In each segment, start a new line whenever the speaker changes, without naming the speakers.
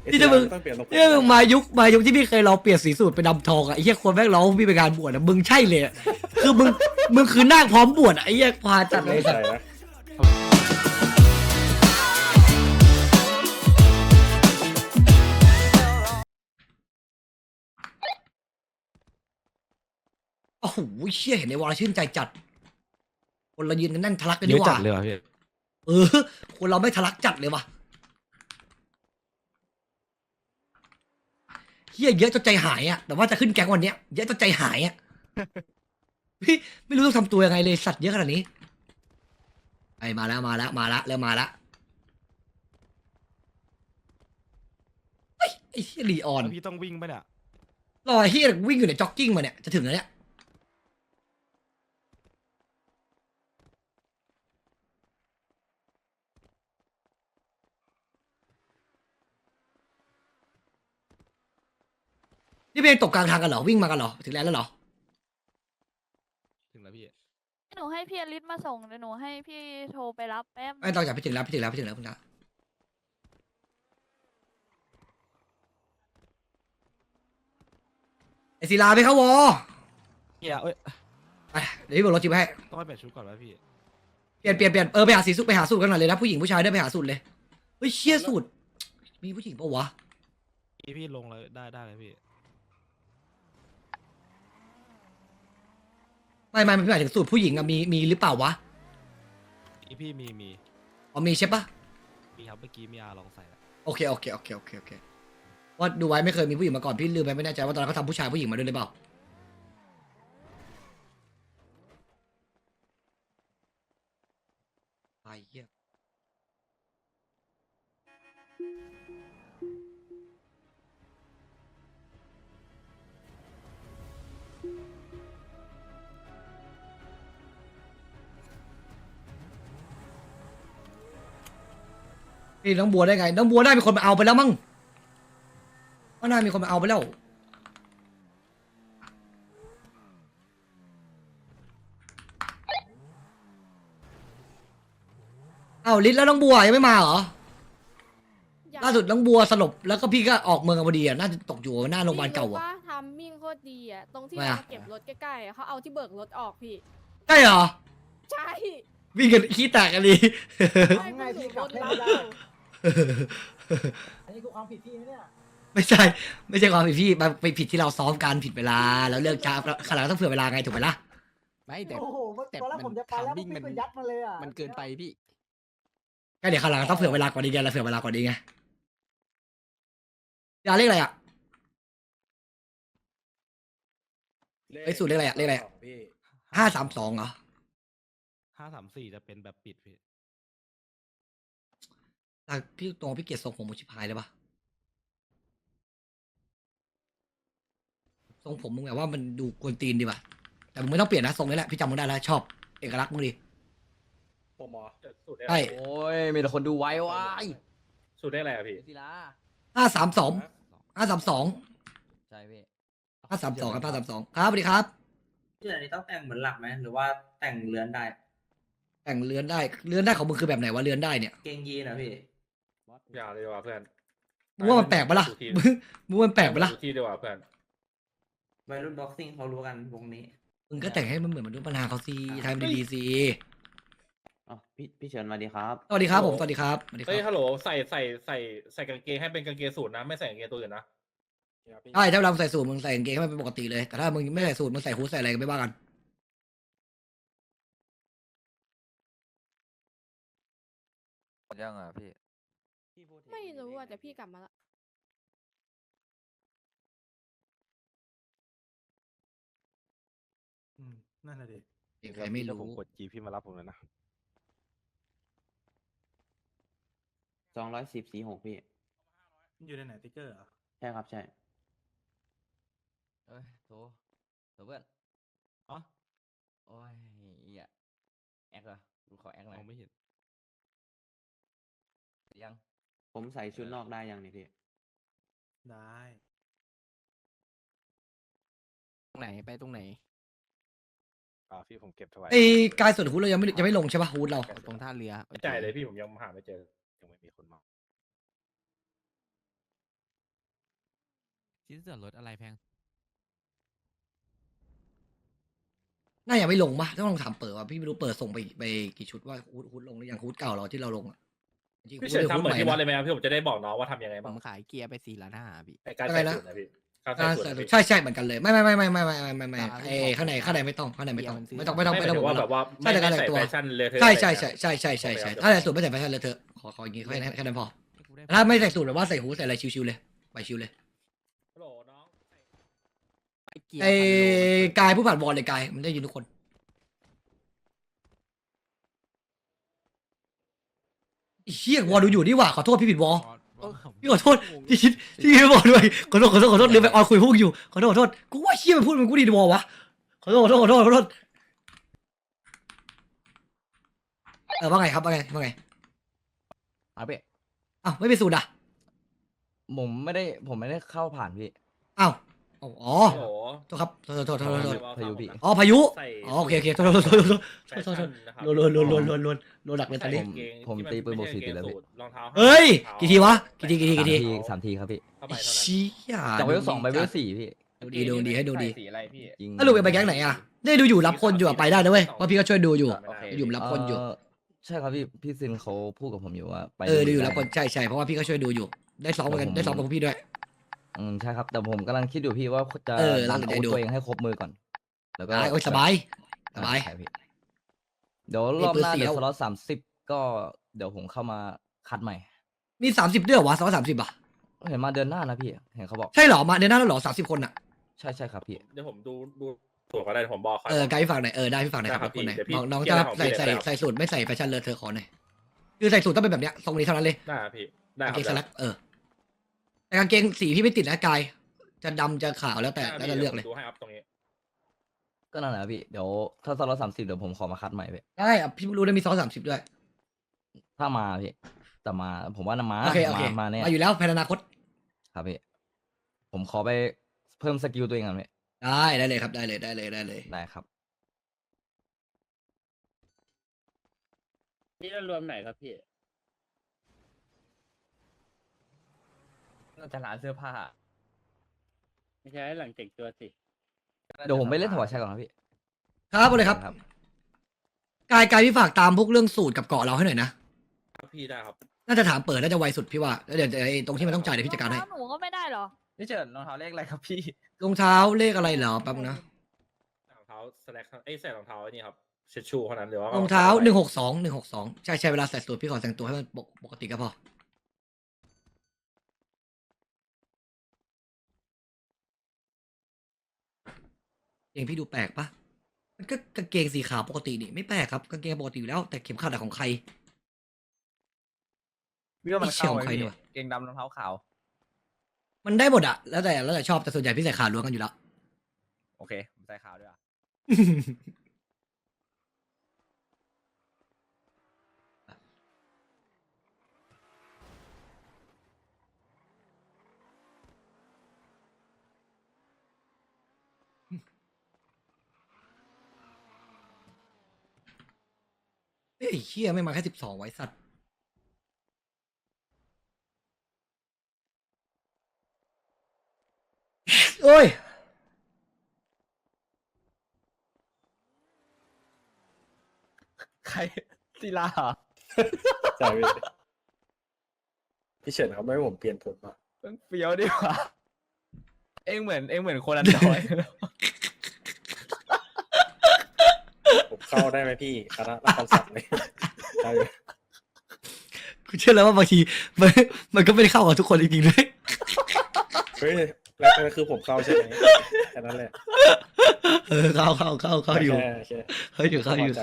นี่ถ้ามึง
ต้องเปลี่ยนทรงผม
เนี่ยมึงมายุคที่พี่เคยลองเปลี่ยนสีสูตรเป็นดำทองอะไอ้เหี้ยคนแม่งร้องพี่ไปงานบวชอะมึงใช่เลยอะคือมึงคือนั่งพร้อมบวชอะไอ้เหี้ยพาจัดเลยสัต
ใช่
ว์
นะ
โอ้โหเชี่ยเห็นในวอลชื่นใจจัด คนเรายืนกันแน่นทะลักกัน
เย
ดี
อะ
ก
จั
ว่า
ดเลยว่ะพี่
เออคนเราไม่ทะลักจัดเลยว่ะเฮียเยอะจนใจหายอ่ะแต่ว่าจะขึ้นแก๊งวันเนี้ยเยอะจนใจหายอ่ะ พี่ไม่รู้ต้องทำตัวยังไงเลยสัตว์เยอะขนาดนี้ไอ้มาแล้วเริ่มมาแล้วเฮ้ยไอ้เฮียลีออน
แล้วพี่ต้องวิ่งปะเนี่ย
รอไอ้เฮียวิ่งอยู่ในจ็อกกิ้งมาเนี่ยจะถึงแล้วเนี่ยนี่เป็นตกกลางทางกันเหรอวิ่งมากันเหรอถึงแล้วเหรอ
ถึงแล้วพี่
หนูให้พี่อลิสมาส่งเดี๋ยวหนูให้พี่โทรไปรับแป๊บ
ไม่ต้องจากพี่ถึงแล้วพี่ถึงแล้วคุณนะไอศิลาไปเข้าวอ
เฮียเอ้ย
ไปเดี๋ยวพี่บอกรถจิ๊บให้
ต้องไปเปลี่ยนชุดก่อนวะพี่
เปลี่ยนไปหาสีสุดไปหาสูตรกันหน่อยเลยนะผู้หญิงผู้ชายได้ไปหาสูตรเลยเฮ้ยเชี่ยสูตรมีผู้หญิงปะวะ
พี่ลงเลยได้เลยพี่
ไม่หมายถึงสูตรผู้หญิงอะมีหรือเปล่าวะ
พี่มี
อ๋อมีใช่ปะ
มีครับเมื่อกี้มีอาลองใส่แล้ว
โอเคว่าดูไว้ไม่เคยมีผู้หญิงมาก่อนพี่ลืมไปไม่แน่ใจว่าตอนนั้นเขาทำผู้ชายผู้หญิงมาด้วยหรือเปล่าไอ้เหี้ยนี่น้องบัวได้ไงน้องบัวได้มีคนมาเอาไปแล้วมั้งว่าน่ามีคนมาเอาไปแล้วเอ้าลิศแล้วน้องบัวยังไม่มาเหรอ
อยก
ล่าสุดน้องบัวสลบแล้วก็พี่ก็ออกเมืองกันพอดีอ่ะน่าจะตกอยู่หน้าโรงพยาบาลเก่า
พี่รู้
อ่ะ
ปะทำมิ่งโคตรดีอ่ะตรงที่
ทำไม
เรา
อะ
เก็บรถใกล้ๆอะเขาเอาที่เบิกรถออกพี่
ใช่เหรอ
ใช่
วิ่งกันขี้แตกกันดี
ใช่พวกหนูรถเรา
อันนี้คือความผิดพี่นะเนี่ย
ไม่ใช่ความผิดพี่มันไปผิดที่เราซ้อมการผิดเวลาแล้วเลิกช้าแล้วขนาดต้องเผื่อเวลาไงถูกไหมล่ะ
ไม่แต่
โอ้โห
แต่
ตอนแรกผมจะไปแล้ว
ทำวิ่ง
พี่
มัน
ก็ยัดมาเลยอ่ะ
มันเกินไปพี่
ก็เดี๋ยวขนาดต้องเผื่อเวลากว่านี้ไงเราเผื่อเวลากว่านี้ไงอย่าเรียกอะไรอ่ะ ไอ้สูตรเลขอะไรอะเลขอะไรอะ
พี่
532เหรอ
534จะเป็นแบบปิดพี่
แต่พี่ตรงพี่เกียรติทรงผมชิบหายเลยปะทรงผมมึงแบบว่ามันดูกวนตีนดีป่ะแต่มึงไม่ต้องเปลี่ยนนะทรงนี้แหละพี่จำมึงได้แล้วชอบเอกลักษณ์มึงดี
ผมหมอสูตรได้
ใช่
โอ้ยมีแต่คนดูไว้ว้าย
สูตรได้อะไรอะพี่
ศิลา
532
ใช่พี่
532ครับ532ครับสวัสดีครับ
ที่อันนี้ต้องแต่งเหมือนหลักไหมหรือว่าแต่งเรือนได้
แต่งเรือนได้ของมึงคือแบบไหนวะเรือนได้เนี่ย
เกงยีนนะพี่
อย่าเลยว่ะเพื่อน
มึงว่ามันแปลกปะล่ะมึงว่ามันแปลกปะล่ะ
ดูที่ดีกว่าเพื่อน
วัยรุ่นบ็อกซิ่งเขารู้กันวงนี้
มึงก็แต่งให้มันเหมือนมนุษย์ปัญหาเขาสิทำดีๆสิ
อ๋อพี่เฉินมาดีครับ
สวัสดีครับผมสวัสดีครับสวัสดีค
เฮ้ย
รับ
ฮัลโหลใส่กางเกงให้เป็นกางเกงสูทนะไม่ใส่กางเกงตัวอื่นนะ
ใช่ถ้าเราใส่สูทมึงใส่กางเกงให้มันเป็นปกติเลยแต่ถ้ามึงไม่ใส่สูทมึงใส่ฮู้ดใส่อะไรก็ไม่ว่ากัน
ยังอ่ะพี่
ไม่รู้อ่ะแต่พี่กลับมาละ
นั่นแหละดิ
ใครไม่
ถ้าผม
รู้
กดจีพี่มารับผมเลยนะ
21046พี่
อยู่ในไหนติ๊กเกอร์เหรอ
ใช่ครับใช่
เอ้ยโถเพื่อน
อ๋อ
โอ้ยเหี้ยแอคเหรอกูขอแอคหน่
ม
อ
อย งไม่เห็น
ยัง
ผมใส่ชุดนอกได้ยังนี่พี่
ได้
ตรงไหนไปตรงไหน
พี่ผมเก็บถวาย
ไอ้กายส่วนฮู้ดเรายังไม่ลงใช่ปะฮู้ดเรา
ตรงท่าเรือโอ
ไม่
ค
จ่ายเลยพี่ผมยังหาไม่เจอ
ยังไม่มีคนมาชิ้นส่วนลดอะไรแพง
น่ายังไม่ลงปะต้องลองถามเปิดว่าพี่ไม่รู้เปิดส่งไปกี่ชุดว่าฮูดลงหรือยังฮูดเก่าเราที่เราลงอะจริงๆ
พี่
ฮู
เฉิน
ด
ทำเหมือนที่วัด
นะ
เลยไหมครับพี่ผมจะได้บอกน้องว่าทำยังไง
ผ
บ้าง
มขายเกียร์ไป4 ล้าน 5พี่
ในการ
อะไร
ใส่
นะ
สูตรนะพี่การ
อ่า
ใส่สูตรนะพี่
ใช่ใช่เหมือนกันเลยไม่ไ
ต
ม่
าม
เอ้ข้างในไม่ต้องไม่ต้อง
เกียร์มันซื้อ
ไม่ต้อง
ไม่หมายถึงว่าแบบว่า
ใช่
ไม่
แต่การ
ใส่
แต่งตัว
แฟชั่นเลยเธอ
ใช่
อะไร
ใช่
เงี้ย
ใช่ใช่ใช่ใช่
โอเค
ถ้าใส่สูตรไม่ใส่แฟชั่นเลยเธอะขออย่างงี้แค่นั้นพอ
กูได้
ถ้าไม่ใส่สูตรแบบว่าใส่หูใส่อะไรชิวๆเลยไปชิวเลย
ฮัลโหลน้อง
เกียร์
ไอ้
พันโล
กายผู้ผ่านบอลเลยกายมันได้ยินทุกคนไอ้เฮียวอลดูอยู่นี่หว่าขอโทษพี่ผิดวอล พี่ขอโทษพี่คิดพี่ไม่บอกด้วยขอโทษลืมไปออนคุยพวกอยู่ขอโทษกูว่าเชี่ยมันพูดมันกูดีดวอลวะขอโทษว่าไงครับว่าไง
ครับพี่
อ้าวไม่เป็นสูตรอ่ะ
ผมไม่ได้เข้าผ่านพี่
อ้าวอ๋อ
ฮัลโหล
โทษครับโทษ
พายุพี่
อ๋อพายุ
ใส่
อ๋อโอเคโทษ
แฟชั่นนะครับ
โลหนักเลยตอนนี้
ผมตีปืนบวก 40แล้วพี่
รองเท้า
เฮ้ยกี่ทีวะกี่ที
สามทีครับพี่
เข้าไปเท่านั้น
เชี่ย
จากเวล2ไปเวล4พี่
ดูดีให้ดูดี
สีอะไรพี่จริง
ถ้าลูกไปแก๊งไหนอ่ะได้ดูอยู่รับคนอยู่ไปได้นะเว้ยเพราะพี่ก็ช่วยดูอยู่
โอเค
อยู่รับคนอยู่
ใช่ครับพี่ซินเขาพูดกับผมอยู่ว่าไป
ดูอยู่
ได้
รับคนใช่เพราะว่าพี่ก็ช่วยดูอยู่ได้ซ้อมเหมือนกันได้ซ้อมกับพวกพี่ด้วย
ใช่ครับแต่ผมกำลังคิดอยู่พี่ว่าจะ
เรา
ดัน
จะ
อาวุธ
ดู
ตัวเองให้ครบมือก่อน แล้วก็
โอ้ยสบาย
ใช่พี่เดี๋ยวรอบหน้า
มีปืน
เดี๋ยว
4
สล็อต30ก็เดี๋ยวผมเข้ามาคัดใหม่
มี30ด้วยเหรอวะ30อ่ะ
เห็นมาเดือนหน้านะพี่เห็นเขาบอก
ใช่เหรอมาเดือนหน้าแล้วเหรอ30 คนอ่ะ
ใช่ครับพี่
เดี๋ยวผมดูตัวก็ได้ผมบอกเขา
ไกด์พี่ฝากหน่อยได้พี่ฝากหน่อยครับ
ได้ครับ
คนไหน
เดี๋ยวพี่
น้อง
เกี่
จะ
ยวของพี่
ใส่
เลยครับ
ใส่สูตรไม่ใส่แฟชั่นเลอะเธอขอหน่อยคือใส่สูตรต้องเป็นแบบเนี้ยทรงนี้เท่านั้นเลย
ได้ครับพี่ได้
กาง
ค
เกงส
รั
ลั
บ
กแต่กางเกงสีพี่ไม่ติดนะกายจะดำจะขาวแล้วแต่แล้วแต่เลือกเลย
ดูให้อัพตรงนี้
ก็นั่นแหละพี่เดี๋ยวถ้าสล็อต30เดี๋ยวผมขอมาคัดใหม่พี่
ได้อ่ะพี่รู้ได้มี30ด้วย
ถ้ามาพี่แต่มาผมว่านะมา
โอเค
มาแน่
มาอยู่แล้วแผนอนาคต
ครับพี่ผมขอไปเพิ่มสกิลตัวเองก่อนพี่
ได้เลยครับได้เลย
ได้ครับ
นี่รวมไหนครับพี่
จะร้านเสื้อผ้า
ไม่ใช่หลังแต่งตัวสิ
เดี๋ยวผมไปเล่นถวายชัยก่อนครับพี่
ครับเอาเลยครับกายพี่ฝากตามพวกเรื่องสูตรกับเกาะเราให้หน่อยนะครับ
พี่ได้ครับ
น่าจะถามเปิดน่าจะไวสุดพี่ว่าแล้วเดี๋ยวไอ้ตรงที่มันต้องจ่ายเดี๋ยวพี่จัดการให้
หนูก็ไม่ได้เหรอ
นี่เจิดรองเท้าเลขอะไรครับพี่
รองเท้าเลขอะไรเหรอแป๊บนะ
รองเท้าสแลกใส่รองเท้าไอ้นี่ครับเช็ดชูเท่านั้นหรือว่าร
องเท้า162ใช่เวลาใส่สูตรพี่ขอแต่งตัวให้มันปกติก็พอเองพี่ดูแปลกปะมันก็กางเกงสีขาวปกตินี่ไม่แปลกครับกางเกงปกติอยู่แล้วแต่เข็มขัดอะของใคร
พี่ว่ามันเข้าไหม
เชี่ยวใคร
พี่
เนี่ยวะ
เกงดำรองเท้าขาว
มันได้หมดอะแล้วแต่ชอบแต่ส่วนใหญ่พี่ใส่ขาล้วนกันอยู่แล้ว
โอเคผมใส่ขาวด้วยอ่ะ
เฮ้ยเฮียไม่มาแค่12ไว้สัตว์โอ้ย
ใครศิลาเหรอ
ใช่พี่พี่เฉินเขาไม่ให้ผมเปลี่ยนผมอ่ะ
เฟี้ยวดีกว่าเอ็งเหมือนคนอันดอย
ผมเข้าได้ไหมพี่คณะรับคำสั่งเลยได้
กูเชื่อแล้วว่าบางทีมันก็ไม่ได้เข้ากับทุกคนจริงๆด้วย
เฮ้ยแล้วคือผมเข้าใช่ไหมแค่นั้นแหละ
เข้าอยู่
แค่
เข้าอยู่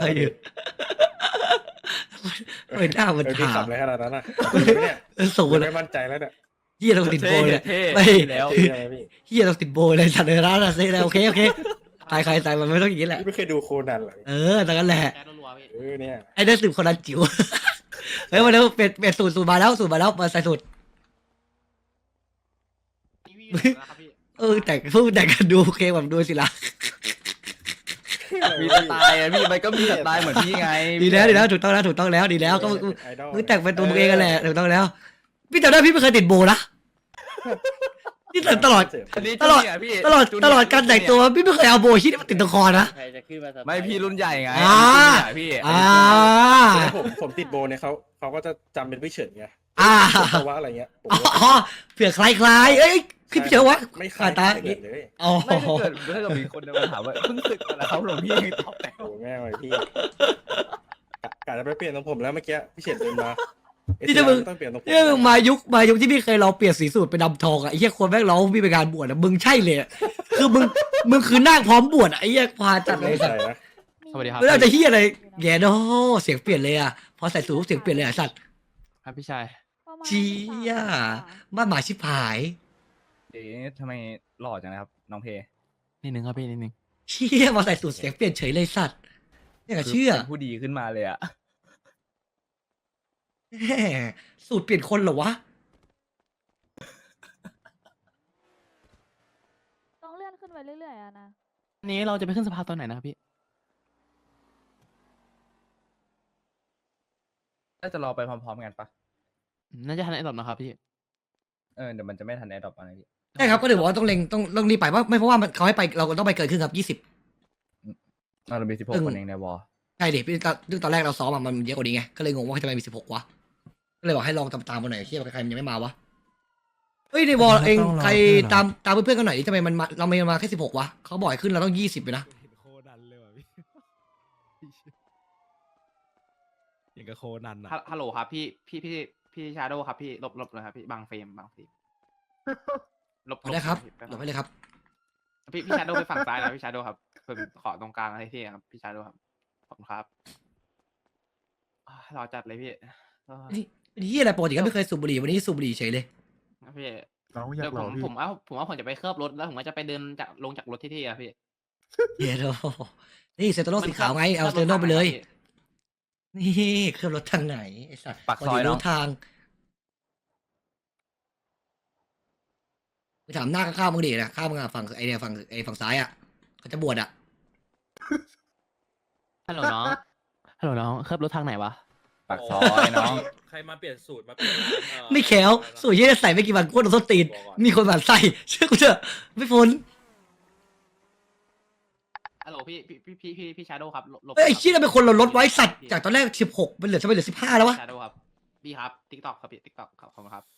ไม่น่ามัน
พี่
ถาม
ขับเลยขนาดนั้นอ่ะเนี่ย
ส่ง
ผม
เลย
ไม่มั่นใจแล้วเนี่ย
เฮียเราติดโบเลยไม่
แล้ว
ใช่ไหมพี่
เฮียเราติดโบเลยสัตว์เลยนะเซ่แล้วโอเคตายใครตายมันไม่ต้องอย่างนี้แหละ
พี่ไม่เคยดูโคนันเหรอ
แต่กันแหละ
เนี่ย
ไอ้เด็กสืบคนนั้นจิ๋วเฮ้ยมาแล้วเป็นสูตรมาแล้วมาใส่สูตรแต่กันดูโอเคแบบดูสิละ
มีสไตล์อะพี่มันก็มีสไตล์เหมือนพี่ไง
ดีแล้วถูกต้องแล้วดีแล้วก็มึงแต่งเป็นตัวมึงเองกันแหละถูกต้องแล้วพี่จำได้พี่ไม่เคยติดโบนะนี่ตลอด
อันนี้
ตลอด
จูเนียร์พี่
ตลอด
จูเนีย
ตลอดการแต่งตัวพี่ไม่เคยเอาโบว์ฮิตมาติดตะคอนะ
ใครจะขึ้นมาสบาย
ไม่พี่รุ่นใหญ่ไง
อ่า
อันนี้จูเนียร์พี่
อ่า
แล้วผมติดโบเนี่ยเขาก็จะจำเป็นพี่เฉินไง
อ่า
เพราะว่าอะไรเงี้ยผม
อ๋
ก็
อเผื่อคล้ายๆเอ้ยพี่เชื่อวะ
ไม่คล้าย
ตา
ไม่เหมือนเลย
อ๋อ
ไม่ถ้าเกิดมีคนเดินมาถามว่าเพิ่งศึกมาแล้วครับหลวงพี่ยังตอบแต่ง
โอ้โหแม่งเลยพี่กะจะไปเปลี่ยนตรงผมแล้วเมื่อกี้พี่เฉินเดินมา
นี่ถ้ามึง
ต้องเปลี่ยนตรงผม
เนี่ยมึงมายุคที่พี่เคยลองเปลี่ยนสีสูตรเป็นดำทองอะไอ้เหี้ยคนแม่งร้องพี่ไปงานบวชอะมึงใช่เลยอะคือมึงคือนาคพร้อมบวชอะไอ้เหี้ยพาจัดเลย
ไม่
สัต
ใช่
ว์
นะ
สวัสดีครับ
ไม่ได้จะเหี้ยอะไรแย่เนาะเสียงเปลี่ยนเลยอะพอใส่สูทเสียงเปลี่ยนเลยอะสัตว์
ครับพี่ชาย
ประมาณ
เชี้ย
13
บ้านหมายชิบหาย
เอ๊ะทำไมหล่อจังนะครับน้องเพ
นิดนึงครับพี่นิดนึง
เชี่ยพอใส่สูทเสียงเปลี่ยนเฉยเลยสัตว์เนี่ยก็เชื่อ
เป็นผู้ดีขึ้นมาเลยอะ
แหมสูตรเปลี่ยนคนเหรอวะ
ต้องเลื่อนขึ้นไปเรื่อยๆอะนะ
อันนี้เราจะไปขึ้นสภาตอนไหนนะครับพี่
น่าจะรอไปพร้อมๆกันปะ
น่าจะทันไอ้ดอกนะครับพี่
เดี๋ยวมันจะไม่ทันแอดดอปอะไรพี่
ใช่ครับก็เดี๋ยวบอกว่าต้องเล็งต้องรีบไปว่าไม่เพราะว่ามันเขาให้ไปเราต้องไปเกินครึ่งครับ20
เรามี
ซึ่
16
ง
คนเองในวอล
ใช่ดิพี่ตอนแรกเราซ้อมอะมันเยอะกว่านี้ไงก็เลยงงว่าทำไมมี16วะก็เลยบอกให้ลองตามๆมาหน่อยเชี่ยใครมันยังไม่มาวะเฮ้ยในวอลเองใครตามเพื่อนๆกันหน่อยดิทำไมมันมาเราไม่มาแค่16วะเขาบอกให้ขึ้นเราต้อง20ไปนะ
เห็นโคนันเลยว่ะพี่อย่างกับโคนันอะ
ฮัลโหลครับพี่ชาโดครับพี่ลบเลยครับพี่บางเฟรมลบ
ได้ครับ
แป๊
หลบไปเลยครับ
พี่ชาโดไปฝั่งซ้ายนะพี่ชาโดครับผมขอตรงกลางให้ที่ครับพี่ชาโดครับขอบคุณครับรอจัดเลยพี่อ่า
เป็นที่อะไรปกติก็ไม่เคยสูบบุหรี่วันนี้สูบบุหรี่เฉยเลย
พี่
เราอ
เดี๋
ยาก
ยว
ลองพี่
ผมว่าผมจะไปเคลือบรถแล้วผมก็จะไปเดินลงจากรถที่อะพี่
เยโดนี่เซนโตโนสีขาวไงเอาเซนโตโนไปเลย นี่เครื่องรถทางไหนไอ้สัตว์
ปากซอย
ร
เนาะ
ถทางไปถามหน้าข้างๆมึงดินะข้างมึงอะฝั่งไอเนี่ยฝั่งซ้ายอ่ะเขาจะบวชอ่ะ
ฮัลโหลน้องฮัลโหลน้องเคลือบรถทางไหนวะ
ปากซอยน้อง
ใครมาเปลี่ยนสูตรมาเปลี่ยนร้าน
ไม่แขวสูตรยี่ใส่ไม่กี่วันกูโดนส้นตีนมีคนแบบใส่เชื่อกูเถอะไม่พ้น
ฮัลโหลพี่ชาโดครับลบ
เอ้ยไอ้ชี้ยเราเป็นคนลดไว้สัตว์จากตอนแรก16เป็นเหลือจะไปเหลือ15แล้ววะ
ชาโดครับพี่ครับทิกตอกครับพี่ทิกตอกขอบคุณครับ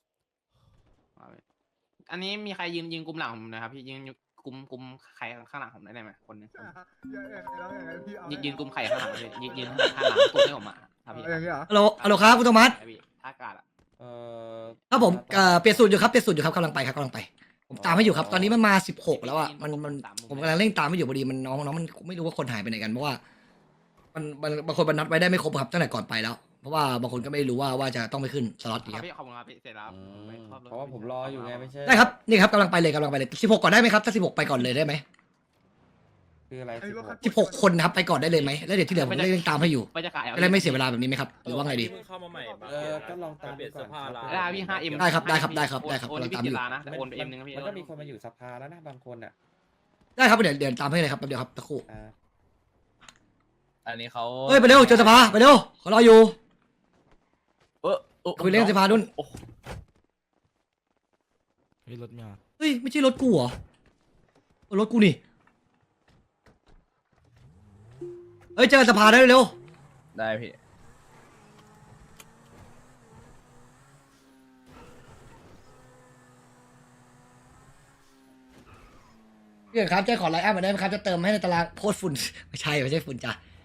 อันนี้มีใครยืนกลุ่มหลังผมนะครับพี่ยืนกลุ่มใครข้างหลังผมได้ไหมคนหนึงยืนกลุ่มใครข้างหลังพี่ยืนข้างหลังกลุ่มให้ผมมาครับพี่
ฮัลโหลครับคุณโทมัส
พี่ท่ากาศอะ
ครับผมเปลี่ยนสูตรอยู่ครับกำลังไปครับผมตามให้อยู่ครับตอนนี้มันมา16แล้วอ่ะมันผมกำลังเร่งตามให้อยู่พอดีมันน้องมันไม่รู้ว่าคนหายไปไหนกันเพราะว่ามันบางคนมันนัดไว้ได้ไม่ครบครับตั้งแต่ก่อนไปแล้ว เพราะว่าบางคนก็ไม่รู้ว่าจะต้องไปขึ้นสล็อต
ค
อีก
รับ
ครับ
พี่ขอบคุณครับพี่เสร็จแล้ว
เพราะว่าผมรออยู่ไงไม่ใช่
ได้ครับนี่ครับกำลังไปเลย16ก่อนได้ไหมครับถ้า16ไปก่อนเลยได้ไหม
คืออะไร
16คนนะครับไปก่อนได้เลยไหมแล้วเดี๋ยวที่เหลือผมเร่งตามให้อยู่
ไปจะขาย
จะได้ไม่เสียเวลาแบบนี้ไหมครับหรือว่าไงดี
เพิ่งเข้ามาใหม่
ก็ลองตาม
เปลี่ยน
ก่
เสื้
อ
อน ผ้าร้าน
ได้พี่5M
ได้ครับ
โอน
กำลัง
พี่
ตามอยู่
7ล้านนะแต่โอนไป M นึงครับพี่
มันก็มีคนมาอยู่สภาแล้วนะบางคนอ่ะ
ได้ครับเดี๋ยวตามให้เลยครับแป๊บเดียวครับตะครู่
อันนี้เขา
เฮ้ยไปเร็วเจอสภาไปเร็วเขารออยู่
อ
คุยเรื่องสภาดุน
โอ้โห
เฮ้ยรถมา
เฮ้ยไม่ใช่รถกูเหรอรถกูนี่เฮ้ยเจอสภาได้เร็ว
ได้พี่
พี่ครับจะขอไลน์อัพมาได้ไหมครับจะเติมให้ในตารางโพสต์ฝุ่น ไม่ใช่ฝุ่นจ้ะ